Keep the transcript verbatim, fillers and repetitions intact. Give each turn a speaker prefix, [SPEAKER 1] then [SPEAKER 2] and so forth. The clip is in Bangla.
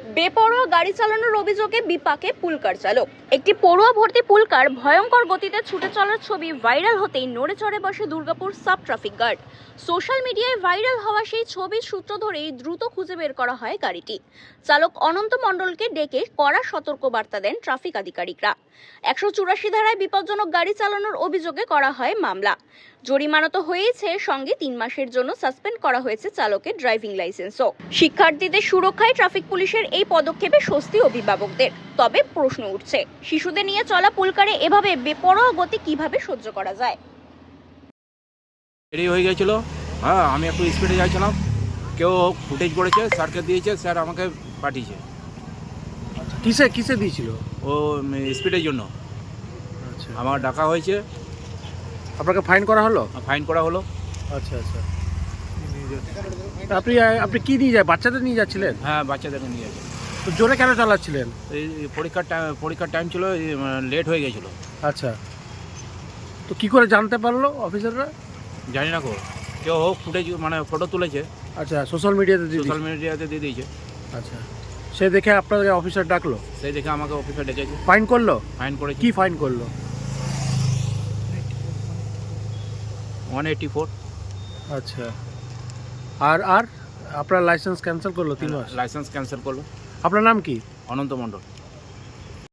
[SPEAKER 1] বেপরোয়া গাড়ি চালানোর অভিযোগে বিপাকে পুলকার চালক। একটি পড়ুয়া ভর্তি পুলকার ভয়ঙ্কর গতিতে ছুটে চলার ছবি ভাইরাল হতেই নড়ে চড়ে বসে Durgapur sub traffic guard. Social মিডিয়ায় ভাইরাল হওয়া সেই ছবির সূত্র ধরেই দ্রুত খুঁজে বের করা হয় গাড়িটি। চালক অনন্ত মণ্ডলকে ডেকে কড়া সতর্কবার্তা দেন ট্রাফিক আধিকারিকরা। একশো চুরাশি ধারায় বিপজ্জনক গাড়ি চালানোর অভিযোগে করা হয় মামলা। জরিমানা তো হয়েছে, সঙ্গে তিন মাসের জন্য সাসপেন্ড করা হয়েছে চালকের ড্রাইভিং লাইসেন্সও। শিক্ষার্থীদের সুরক্ষায় ট্রাফিক পুলিশের এই পদক্ষেপে স্বস্তি অভিভাবকদের। তবে প্রশ্ন উঠছে, শিশুদের নিয়ে চলা পুলকারে এভাবে বেপরোয়া গতি কিভাবে সহ্য করা যায়?
[SPEAKER 2] দেরি হয়ে গেছিল। হ্যাঁ, আমি একটু স্পিডে যাচ্ছিলাম, কেউ ফুটেজ করেছে, স্যারকে দিয়েছে, স্যার আমাকে পাঠিয়েছে।
[SPEAKER 3] কিসে কিসে দিয়েছিল?
[SPEAKER 2] ও স্পিডের জন্য
[SPEAKER 3] আচ্ছা,
[SPEAKER 2] আমার ডাকা হয়েছে,
[SPEAKER 3] আপনাকে ফাইন করা হলো?
[SPEAKER 2] ফাইন করা হলো।
[SPEAKER 3] আচ্ছা আচ্ছা। আপনি আপনি কি নিয়ে যায়, বাচ্চাদের নিয়ে যাচ্ছিলেন?
[SPEAKER 2] হ্যাঁ, বাচ্চাদেরকে নিয়ে যাচ্ছে।
[SPEAKER 3] তো জোরে কেন চালাচ্ছিলেন?
[SPEAKER 2] এই পরীক্ষার টাইম পরীক্ষার টাইম ছিল, লেট হয়ে গেছিলো।
[SPEAKER 3] আচ্ছা, তো কি করে জানতে পারলো অফিসাররা?
[SPEAKER 2] জানি না, কো কেউ হোক ফুটেজ মানে ফটো তুলেছে,
[SPEAKER 3] আচ্ছা, সোশ্যাল মিডিয়াতে দিয়ে
[SPEAKER 2] সোশ্যাল
[SPEAKER 3] দিয়েছে।
[SPEAKER 2] মিডিয়াতে দিয়ে দিয়েছে।
[SPEAKER 3] আচ্ছা, সে দেখে আপনাকে অফিসার ডাকলো,
[SPEAKER 2] সেই দেখে আমাকে অফিসে ডেকেছে,
[SPEAKER 3] ফাইন করলো?
[SPEAKER 2] ফাইন করেছে।
[SPEAKER 3] কি ফাইন করলো?
[SPEAKER 2] One eighty four.
[SPEAKER 3] আচ্ছা, আর আর আপনার লাইসেন্স ক্যান্সেল করলো তিন মাস?
[SPEAKER 2] লাইসেন্স ক্যান্সেল করলো।
[SPEAKER 3] আপনার নাম কি?
[SPEAKER 2] অনন্ত মণ্ডল।